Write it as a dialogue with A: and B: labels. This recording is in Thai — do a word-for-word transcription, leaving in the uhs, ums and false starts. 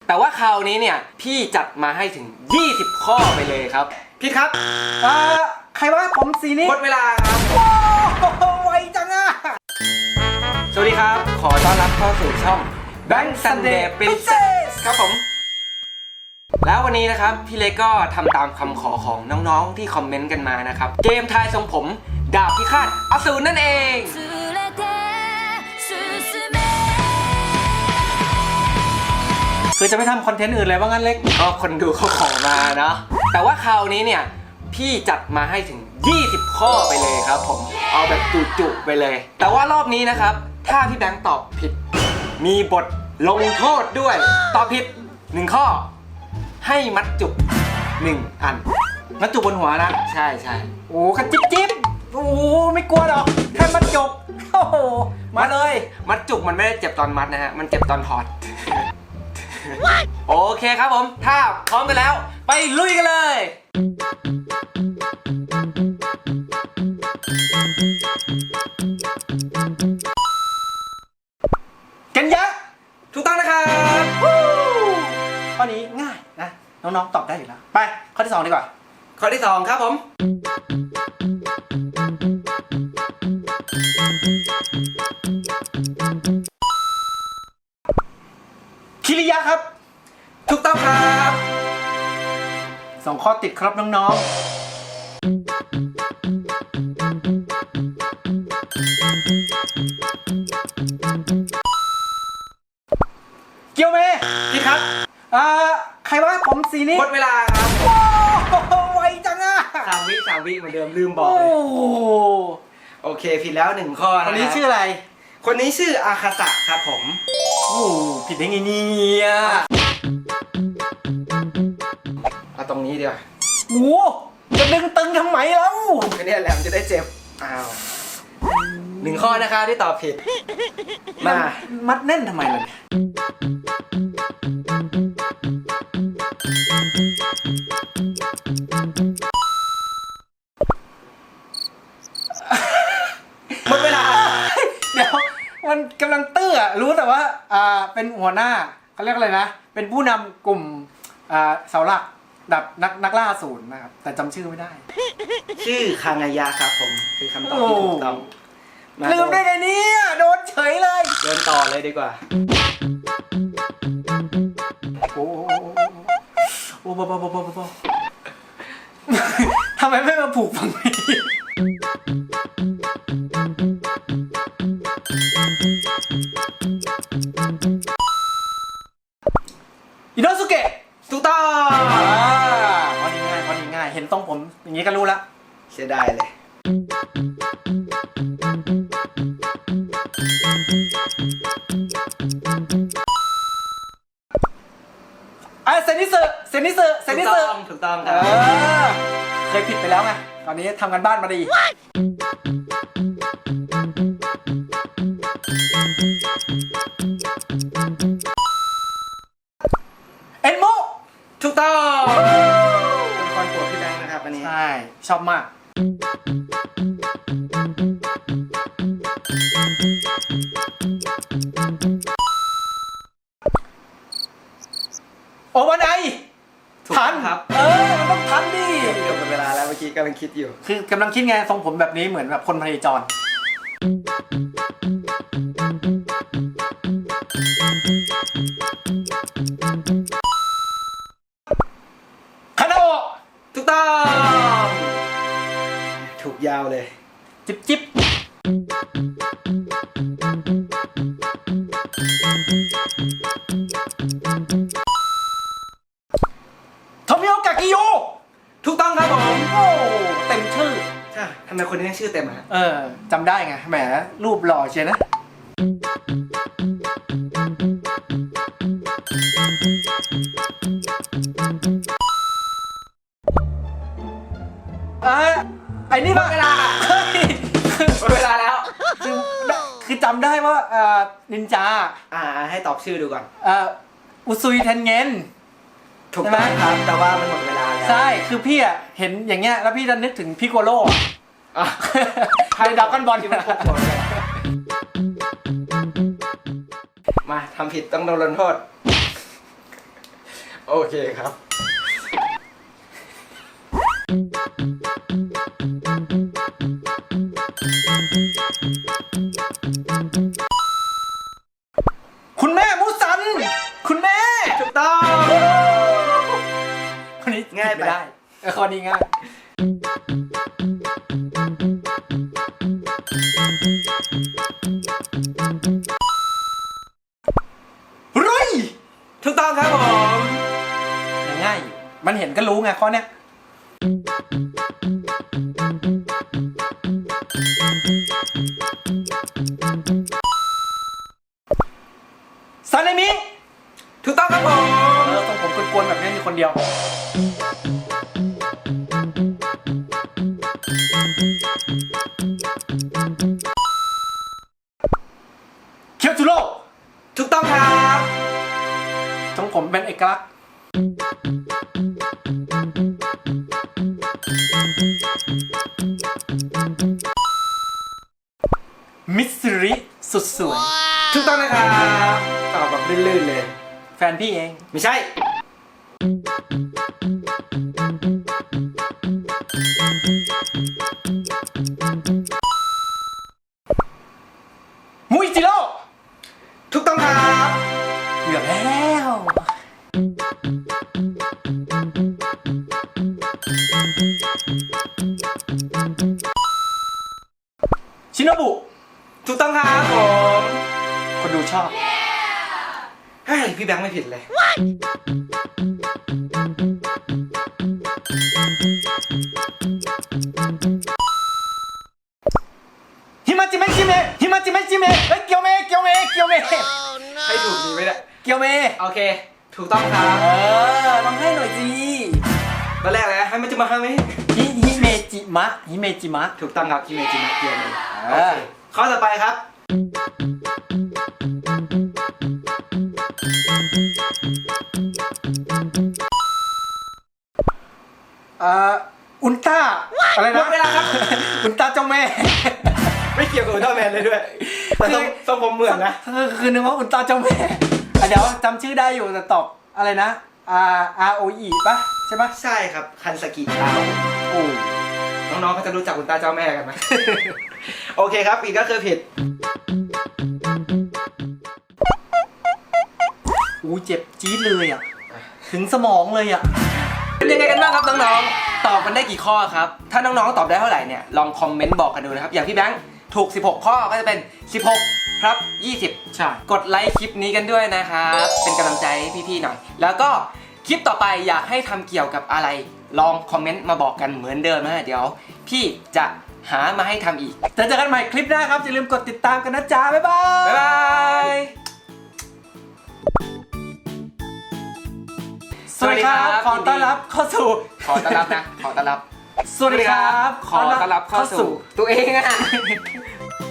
A: แต่ว่าคราวนี้เนี่ยพี่จัดมาให้ถึงยี่สิบข้อไปเลยครับพี่ครับ
B: อ่าใครว่าผมสีนี้
A: หมดเวลาครับ
B: โอ้ไวจังอะ
A: สวัสดีครับขอต้อนรับเข้าสู่ช่อง Bank Sunday Princess ครับผมแล้ววันนี้นะครับพี่เล็กก็ทำตามคำขอของน้องๆที่คอมเมนต์กันมานะครับเกมทายทรงผมดาบพิฆาตอสูรนั่นเอง
B: คือจะไม่ทำคอนเทนต์อื่นเลยว่างั้นเล็ก
A: ก็คนดูเขาขอมาเนาะแต่ว่าคราวนี้เนี่ยพี่จัดมาให้ถึงยี่สิบข้อไปเลยครับผมเอาแบบจุๆไปเลยแต่ว่ารอบนี้นะครับถ้าพี่แบงค์ตอบผิดมีบทลงโทษด้วยตอบผิดหนึ่งข้อให้มัดจุกหนึ่งอัน
B: มัดจุกบนหัวนะ
A: ใช่ใช่
B: โอ้กระจิ๊บจิ๊บโอ้ไม่กลัวหรอกแค่มัดจุกโอ้โหมาเลย
A: มัดจุกมันไม่ได้เจ็บตอนมัดนะฮะมันเจ็บตอนถอดโอเคครับผมถ้าพร้อมกันแล้วไปลุยกันเลย
B: กันยะ
A: ถูกต้องนะครับ
B: ข้อนี้ง่ายนะน้องๆตอบได้อยู่แล้วไปข้อที่สองดีกว่า
A: ข้อที่สองครับผม
B: คิริยะครับ
A: ถูกต้องครับ
B: สองข้อติดครับน้องๆเกียวเม
A: พี่ครับ
B: อ่าใครว่าผมสีนี้
A: หมดเวลาครับ
B: โอ้ไวจังอะ
A: สามวิสามวิเหมือนเดิมลืมบอกเลยโอเคผิดแล้วหนึ่งข้อนะ
B: คนนี้ชื่ออะไร
A: คนนี้ชื่ออาคาสะครับผม
B: โอ้ผิดได้ไงเนี่ย
A: เอาตรงนี้ดีกว่า
B: โอ้จะดึงตึงทำไมแล้ว
A: ก็เนี่ยแหละมันจะได้เจ็บอ้าวหนึ่งข้อนะคะที่ตอบผิด
B: มามัดแน่นทำไมล่ะ
A: หมดเวลา
B: เดี๋ยวมันกำลังตื้อรู้แต่ว่าอ่าเป็นหัวหน้าเขาเรียกอะไรนะเป็นผู้นำกลุ่มอ่าเสาหลักดับนักนักล่าศูนย์นะครับแต่จำชื่อไม่ได้
A: ชื่อคางายะครับผมคือคำตอบที่ถูกต้อง
B: ลืมได้ไงเนี่ยโดนเฉยเลย
A: เดินต่อเลยดีกว่า
B: โอ้โอ้บ้าบ้าบ้าบ้าบ้าทำไมไม่มาผูกฝั่งนี้อิโนสุเกะ
A: ถูกต้อง
B: พอดีง่ายพอดีง่ายเห็นตรงผมอย่างนี้ก็รู้ละ
A: เสียดายเลย
B: อ่ะเซนิสึเซนิสึเซนิสึ
A: ถูกต้องครับ
B: เคยผิดไปแล้วไงตอนนี้ทำกันบ้านมาดีเอ็นโม
A: ถูกต้องเป็นคนโปรดพี่แบงค์นะครับอันนี้
B: ใช่ชอบมากโอวันไอทัน
A: ครับ
B: เออมันต้องทันดิ
A: เกือบหมดเวลาแล้วเมื่อกี้กำลังคิดอยู่
B: คือกำลังคิดไงทรงผมแบบนี้เหมือนแบบคนพเนจรคานาโอะ
A: ถูกต้องถูกยาวเลย
B: จิ๊บจิ๊บโทมิโอกากิโย
A: ถูกต้องครับผม
B: โอ้เต็มชื่อ
A: ใช่ทำไมคนนี้ชื่อเต็มอ่ะ
B: เออจำได้ไงแหมรูปหล่อเชียวนะอ่ะไอ้นี่ป่ะ
A: เวลาเวลาแล้ว
B: คือคือจำได้ว่าอ่านินจา
A: อ่าให้ตอบชื่อดูก่อน
B: อ่าอุซุยเทนเงิน
A: ถูกต้องครับแต่ว่ามันหมดเวลาแล้ว
B: ใช่คือพี่อ่ะเห็นอย่างเงี้ยแล้วพี่จะนึกถึงพิโกโลอ่ะในดราก้อนบอลที่มันโคตรเลย
A: มาทำผิดต้องโดนลงโทษโอเคครับ
B: คุณแม่มุสัน คุณแม่
A: ถูกต้อง
B: คนนี้
A: ง่ายไป
B: ไม่ได้เออคนนี้ง่ายรุย
A: ถูกต้องครับผม
B: ยังง่ายอยู่มันเห็นก็รู้ไงข้อเนี้ยซาเนมิ
A: ถูกต้องครับผม
B: เออทรงผมกวนๆแบบนี้มีคนเดียวเคียวจูโร่
A: ถูกต้องครับ
B: ทรงผมเป็นเอกลักษณ์มิสซิริสุดสวย
A: ถูกต้องนะครับตอบแบบลื่นๆเลย
B: แฟนพี่เอง
A: ไม่ใช่
B: มุยจิโร่
A: ถูกต้องครับ
B: เกือบแล้วชิโนบุ
A: ถูกต้องครับผม
B: คนดูชอบ
A: เฮ้ยพี่แบงค์ไม่ผิดเลย
B: ฮิมาจิเมะจิเมะฮิมาจิเมะจิเมะเฮ้ยเกียวเมะเกียวเมะเกียวเมะ
A: ให้ถูกดีไหมเนี่ย
B: เกียวเมะ
A: โอเค ถูกต้องครับ
B: เออลองให้หน่อยสิ
A: ตอนแรกเลยนะให้มันจะมาให้ไหม
B: ฮิฮิเมจิมะฮิเมจิมะ
A: ถูกต้องครับที่เมจิมาเกียวเลย
B: เออ
A: ข้อต่อไปครับ
B: เอ่ออุลตร้าอะไร
A: หม
B: นะ
A: ดเวลาครับ
B: อุลตร้าเจ้าแม่
A: ไม่เกี่ยวกับอุลตร้าแมนเลยด้วย แต่ทรงทรงผมเหมือนนะ
B: คือคือนึกว่าอุลตร้าเจ้าแม่อ่ะเดี๋ยวจำชื่อได้อยู่แต่ตอบอะไรนะ R R O E ป่ะใช่ป่ะ
A: ใช่ครับ คันสกิดาว
B: โอ้
A: น้องๆเขาจะรู้จักอุลตร้าเจ้าแม่กันไหม โอเคครับอีกก็คือผิด
B: อู้เจ็บจี๊ดเลยอ่ะ ถึงสมองเลยอ่ะ
A: เป็นยังไงกันบ้างครับน้องๆ ตอบกันได้กี่ข้อครับ ถ้าน้องๆ ตอบได้เท่าไหร่เนี่ย ลองคอมเมนต์บอกกันดูนะครับ อย่างพี่แบงค์ถูกสิบหกข้อก็จะเป็นสิบหกครับยี่สิบ
B: ใช่
A: กดไลค์คลิปนี้กันด้วยนะครับ เป็นกำลังใจให้พี่ๆหน่อย แล้วก็คลิปต่อไปอยากให้ทำเกี่ยวกับอะไร ลองคอมเมนต์มาบอกกันเหมือนเดิมนะเดี๋ยว พี่จะหามาให้ทำอีก
B: จะเจอกันใหม่คลิปหน้าครับ อย่าลืมกดติดตามกันนะจ๊ะ บ๊ายบาย
A: บ๊ายบาย
B: สวัสดีครับ ขอต้อนรับเข้าสู่
A: ขอต้อนรับนะ ขอต้อนรับ
B: สวัสดีครับ
A: ขอต้อนรับเข้าสู่ตัวเองอะ